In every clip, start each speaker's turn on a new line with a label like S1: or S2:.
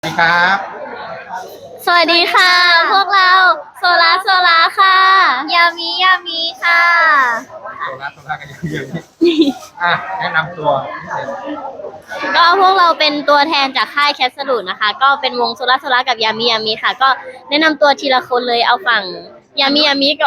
S1: สวัสดีครับ
S2: สวัสดีค่ะ พวกเราโซลาค่ะยามีค่ะ
S1: โซล่ากันเยอะๆแนะนำตัวนิดหนึ่ง
S2: ก็พวกเราเป็นตัวแทนจากค่ายแคสลูดนะคะก็เป็นวงโซลากับยามีค่ะก็แนะนำตัวทีละคนเลยเอาฝั่งยามีก็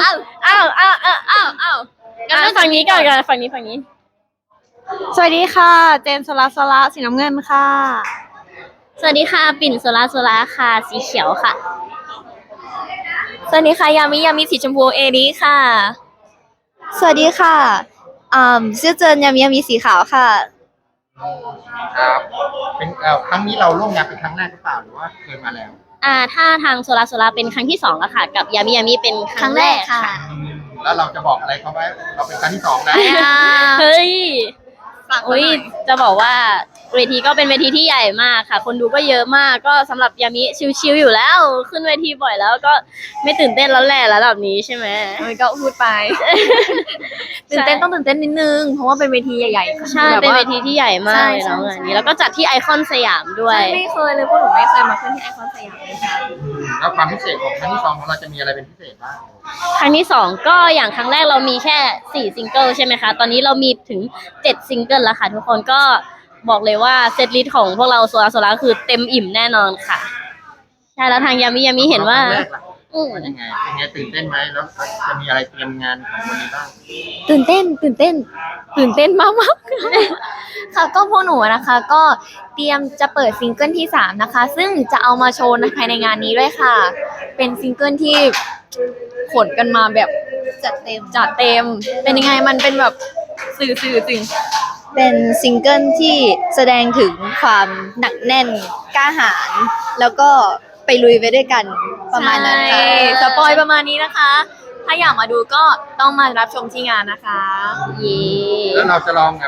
S2: อ้าวงั้นฝั่งนี้ก่อนฝั่งนี้
S3: สวัสดีค่ะเจนโซลาสีน้ำเงินค่ะ
S2: สวัสดีค่ะปิ่นโซลาค่ะสีเขียวค่ะ
S3: สวัสดีค่ะยามีสีชมพูเอริค่ะสวัสดีค่ะชื่อเจนยามีสีขาวค่ะ
S1: ครับเป็นครั้งนี้เราร่วมงานเป็นครั้งแรกหรือเปล่าหรือว่าเคยมาแล้ว
S2: ถ้าทางโซลาเป็นครั้งที่สองแล้วค่ะกับยามีเป็นครั้งแรกค่ะ
S1: แล้วเราจะบอกอะไรเขาไว้เราเป็นครั้งที่สองนะ
S2: เฮ้ยอุ้ยจะบอกว่าเวทีก็เป็นเวทีที่ใหญ่มากค่ะ คนดูก็เยอะมากก็สำหรับยามิชิวๆอยู่แล้วขึ้นเวทีบ่อยแล้วก็ไม่ตื่นเต้นแล้วแหละระดับนี้ใช่ไหม
S3: ก็พูดไปตื่นเต้นต้องตื่นเต้นนิดนึงเพราะว่าเป็นเวทีใหญ่ๆ
S2: ใช่เป็นเวทีที่ใหญ่มากเลย
S3: ใช่
S2: เนาะงานนี้แล้วก็จัดที่ไอคอนสยามด้วย
S3: ไม่เคยเลยพวกหนูไม่เคยมาขึ้นที่ไอคอนสยามเลยค่ะ
S1: แล้วความพิเศษของครั้งที่สองของเราจะมีอะไรเป็นพิเศษบ้าง
S2: ครั้งที่สองก็อย่างครั้งแรกเรามีแค่4ซิงเกิลใช่ไหมคะตอนนี้เรามีถึง7ซิงเกิลแล้วค่ะทุกคนก็บอกเลยว่าเซตลิสต์ของพวกเราโซลาคือเต็มอิ่มแน่นอนค่ะใช่แล้วทางยามิเห็นว่า
S1: ครั้งแรกล่ะเป็นยังไงตื่นเต้นไหมแล้วจะมีอะไรเตรียมงานของวันนี้บ้าง
S3: ตื่นเต้นมากๆค่ะก็พวกหนูนะคะ ก็เตรียมจะเปิดซิงเกิลที่3นะคะซึ่งจะเอามาโชว์ภายในงานนี้ด้วยค่ะ เป็นซิงเกิลที่ขนกันมาแบบจัดเต็มเป็นยังไงมันเป็นแบบสื่อจริงเป็นซิงเกิลที่แสดงถึงความหนักแน่นกล้าหาญแล้วก็ไปลุยไปด้วยกันประมาณนั้นค่ะ
S2: ใช่
S3: สปอยประมาณนี้นะคะ ถ้าอยากมาดูก็ต้องมารับชมที่งานนะคะ
S2: เย่
S1: แล้วเราจะลองแบบ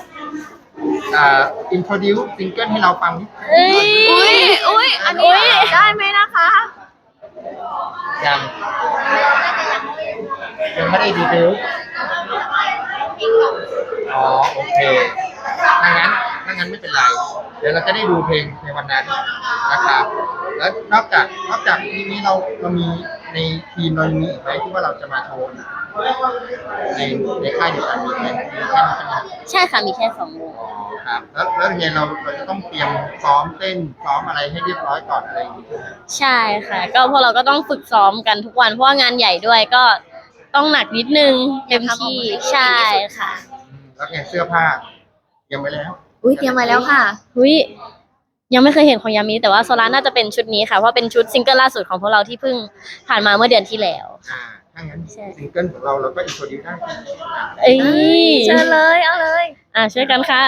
S1: อินโทรดิวซิงเกิลให้เราฟังนิด
S2: เอ้ย
S3: อุ้ยอันนี้ได้ไหมนะคะ
S1: ยังไม่ได้ดีเทลอ๋อโอเคถ้างั้นไม่เป็นไร เดี๋ยวเราจะได้ดูเพลงในวันนั้นนะครับ แล้วนอกจากนี้เรามีในทีมเรามีอีกไหมที่ว่าเราจะมาโชว์ในค่ายเดียวกันมีไหมมีแค่นี้ใช่ไหม
S2: ใช่ค่ะมีแค่2วง
S1: อ๋อครับแล้วยังไงเราจะต้องเตรียมซ้อมเต้นซ้อมอะไรให้เรียบร้อยก่อนอะไรอย่างนี้ใช่ไหม
S2: ใช่ค่ะ ก็พวกเราก็ต้องฝึกซ้อมกันทุกวันเพราะว่างานใหญ่ด้วยก็ต้องหนักนิดนึงเต็มที่ใช่ค่ะ
S1: แล้วไงเสื้อผ้าเตรียมไว้แล้ว
S3: อุ้ยเตรียมมาแล้วค่ะ
S2: หุยยังไม่เคยเห็นของยามิแต่ว่าโซลาน่าจะเป็นชุดนี้ค่ะเพราะเป็นชุดซิงเกิลล่าสุดของพวกเราที่เพิ่งผ่านมาเมื่อเดือนที่แล้ว
S1: ถ้างั้น
S2: ใช่
S1: ซิงเกิลของเราก็อินโทรดิวได้
S2: เอ้ย
S3: เชิญเลยเอาเลย
S2: ช่วยกันค่ะ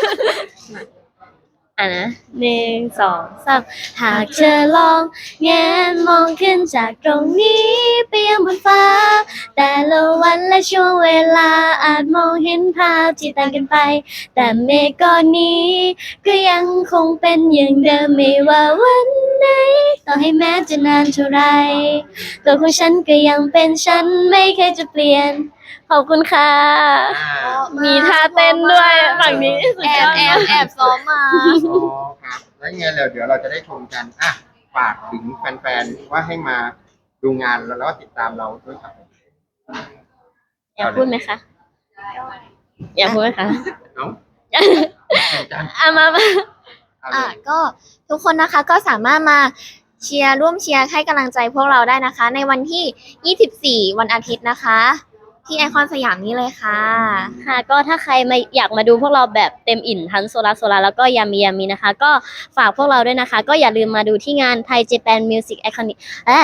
S2: นะ1 2 3หากเธอลองแงนมองขึ้นจากตรงนี้ไปยังบนฟ้า แต่ละวันและช่วงเวลาอาจมองเห็นภาพที่ต่างกันไป แต่เมฆก้อนนี้ก็ยังคงเป็นอย่างเดิมไม่ว่าวันไหนต่อให้แม้จะนานเท่าไรตัวของฉันก็ยังเป็นฉันไม่เคยจะเปลี่ยนขอบคุณค่ะ มีท่าเต้นด้วยฝั่งนี้สุดยอด
S3: แอบซ้อมมา
S1: อ๋อครับแล้วไงเดี๋ยวเราจะได้ชมกันฝากถึงแฟนๆว่าให้มาดูงานแล้วก็ติดตามเราด้วยครับ
S2: อยากพูดไหมคะอยากพูดไหมคะ
S1: เนาะจัน
S2: มา
S1: เอาเลย
S3: ก็ทุกคนนะคะก็สามารถมาร่วมเชียร์ให้กำลังใจพวกเราได้นะคะ ในวันที่ 24 วันอาทิตย์นะคะ ที่ไอคอนสยามนี้เลยค่ะ
S2: ค่ะก็ถ้าใครมาอยากมาดูพวกเราแบบเต็มอิ่มทั้งโซลาแล้วก็ยามีนะคะ ก็ฝากพวกเราด้วยนะคะ ก็อย่าลืมมาดูที่งานไทยเจแปนมิวสิกไอคอนิก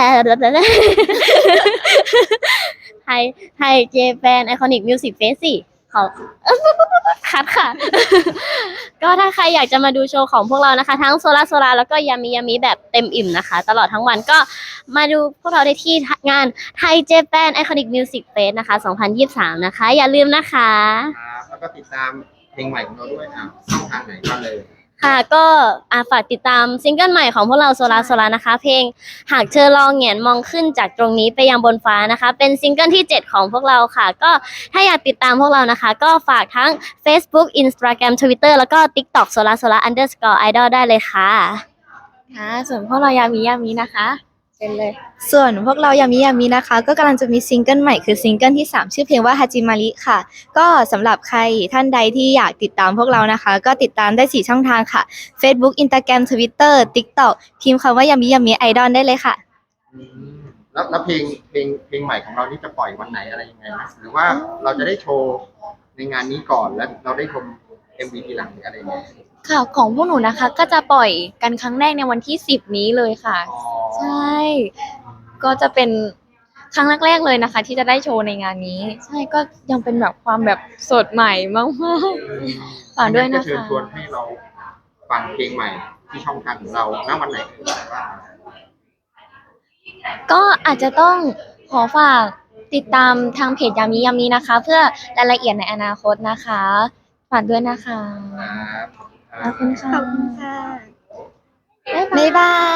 S2: ไทยเจแปนไอคอนิกมิวสิกเฟสสิขอคัดค่ะ ก็ถ้าใครอยากจะมาดูโชว์ของพวกเรานะคะ ทั้งโซลาแล้วก็ยามีแบบเต็มอิ่มนะคะ ตลอดทั้งวันก็มาดูพวกเราได้ที่งานไทยเจแปนไอคอนิกมิวสิกเฟสนะคะ2023นะคะอย่าลืมนะคะ
S1: ครับแล้วก็ติดตามเพลงใหม่ของเราด้วยช่องทางไหนก็เลย
S2: ค่ะก็ฝากติดตามซิงเกิลใหม่ของพวกเราโซลานะคะ เพลงหากเธอลองแหงนมองขึ้นจากตรงนี้ไปยังบนฟ้านะคะ เป็นซิงเกิลที่7ของพวกเราค่ะ ก็ถ้าอยากติดตามพวกเรานะคะ ก็ฝากทั้ง Facebook Instagram Twitter แล้วก็ TikTok _idol ได้เลยค่ะ
S3: ค่ะส่วนพวกเรายามีนะคะเชิญเลย
S4: ส่วนพวกเรายามิยามินะคะ ก็กำลังจะมีซิงเกิลใหม่คือซิงเกิลที่ 3 ชื่อเพลงว่าฮาจิมาริค่ะ ก็สำหรับใครท่านใดที่อยากติดตามพวกเรานะคะ ก็ติดตามได้ 4 ช่องทางค่ะ Facebook Instagram Twitter TikTok พิมพ์คำว่ายามิยามิไอดอลได้เลยค่ะ
S1: อืมแล้วเพลงใหม่ของเรานี่จะปล่อยวันไหนอะไรยังไงไหมหรือว่าเราจะได้โชว์ในงานนี้ก่อนแล้วเราได้ชม MV ทีหลังหรืออะไรยังไง
S3: ค่ะของพวกหนูนะคะ ก็จะปล่อยกันครั้งแรกในวันที่ 10 นี้เลยค่ะ
S1: อ๋อ
S3: ใช่ ก็จะเป็นครั้งแรกๆเลยนะคะ ที่จะได้โชว์ในงานนี้ ใช่ก็ยังเป็นแบบความแบบสดใหม่มากๆฝากด้วยนะ
S1: ก็เชิญ
S3: คะ
S1: ชวนให้เราฟังเพลงใหม่ที่ช่องทางของเราณวันไหนว่า
S3: ก็อาจจะต้องขอฝากติดตามทางเพจยามีนะคะ เพื่อรายละเอียดในอนาคตนะคะฝากด้วยนะคะ
S1: ครับ
S3: ขอบคุณค่ะ
S4: ขอบคุณค่ะ
S3: บ๊ายบาย
S4: บ๊ายบาย